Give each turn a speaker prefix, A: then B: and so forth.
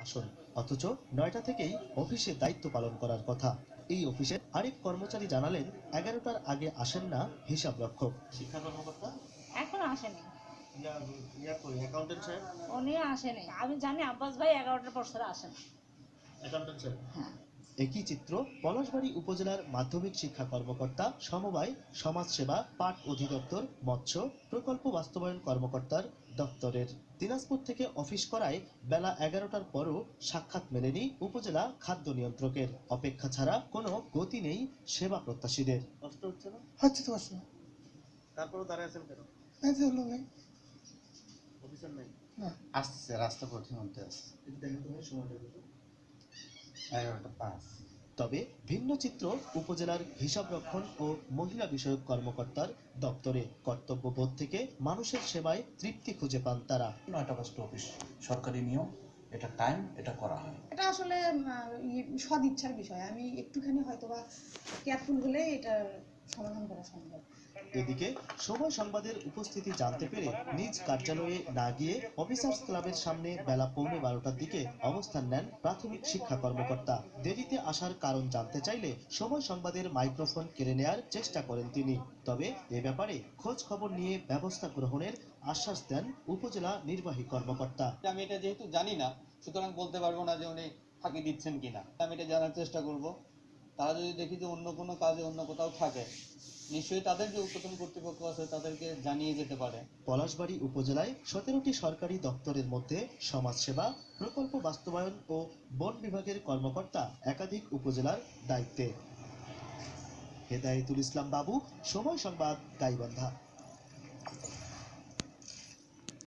A: আসুন, অথচ ৯টা থেকেই অফিসে দায়িত্ব পালন করার কথা। এই অফিসের আরেক কর্মচারী জানালেন ১১টার আগে আসেন না হিসাব রক্ষক। শিক্ষা কর্মকর্তা
B: এখনো আসেনি।
A: অ্যাকাউন্টেন্ট সাহেব
B: উনি আসেনি। আমি জানি আব্বাস ভাই ১১টার পর ছাড়া আসেন।
A: অ্যাকাউন্টেন্ট সাহেব
B: হ্যাঁ।
A: একই চিত্র পলাশবাড়ী উপজেলার মাধ্যমিক শিক্ষা কর্মকর্তা, সমবায়, সমাজসেবা, পাট অধিদপ্তর, মৎস্য প্রকল্প বাস্তবায়ন কর্মকর্তার দপ্তরের। দিনাজপুর থেকে অফিস করায় বেলা ১১টার পরও সাক্ষাৎ মেলেনি উপজেলা খাদ্য নিয়ন্ত্রকের। অপেক্ষা ছাড়া কোনো গতি নেই সেবা প্রত্যাশীদের। কষ্ট হচ্ছে না?
C: হচ্ছে তো কষ্ট।
A: তারপরও দাঁড়ায় আছেন কেন?
C: এই যে হলো ভাই।
A: অফিসার নাই?
C: না।
D: আসছে রাস্তা পথের মধ্যে আসছে।
A: দেখেন তো ভাই, সময়টা কত?
D: 11:05।
A: তবে ভিন্ন চিত্র উপজেলার হিসাবরক্ষণ ও মহিলা বিষয়ক কর্মকর্তার দপ্তরে। কর্তব্যবোধ থেকে মানুষের সেবায় তৃপ্তি খুঁজে পান তারা।
E: ৯টা ৫টা অফিস সরকারি নিয়ম, এটা টাইম, এটা করা হয়।
F: এটা আসলে সদ ইচ্ছার বিষয়। আমি একটুখানি হয়তোবা কেয়ারফুল হলে এটা সমাধান করা সম্ভব।
A: এদিকে সময় সংবাদের উপস্থিতি জানতে পেরে নিজ কার্যালয়ে না গিয়ে অফিসার্স ক্লাবের সামনে বেলা ১১:৩০টার দিকে অবস্থান নেন প্রাথমিক শিক্ষা কর্মকর্তা। দেরিতে আসার কারণ জানতে চাইলে সময় সংবাদের মাইক্রোফোন কেড়ে নেয়ার চেষ্টা করেন তিনি। তবে এ ব্যাপারে খোঁজ খবর নিয়ে ব্যবস্থা গ্রহণের আশ্বাস দেন উপজেলা নির্বাহী কর্মকর্তা।
G: আমি এটা যেহেতু জানি না, সুতরাং বলতে পারবো না যে উনি ফাঁকি দিচ্ছেন কিনা। আমি এটা জানার চেষ্টা করব। তারা যদি দেখি যে অন্য কোনো কাজে অন্য কোথাও থাকে, নিশ্চয়ই তাদের যে ঊর্ধ্বতন কর্তৃপক্ষ আছে তাদেরকে জানিয়ে যেতে পারে।
A: পলাশবাড়ী উপজেলায় ১৭টি সরকারি দপ্তরের মধ্যে সমাজসেবা, প্রকল্প বাস্তবায়ন ও বন বিভাগের কর্মকর্তা একাধিক উপজেলার দায়িত্বে। হেদায়েতুল ইসলাম বাবু, সময় সংবাদ, গাইবান্ধা।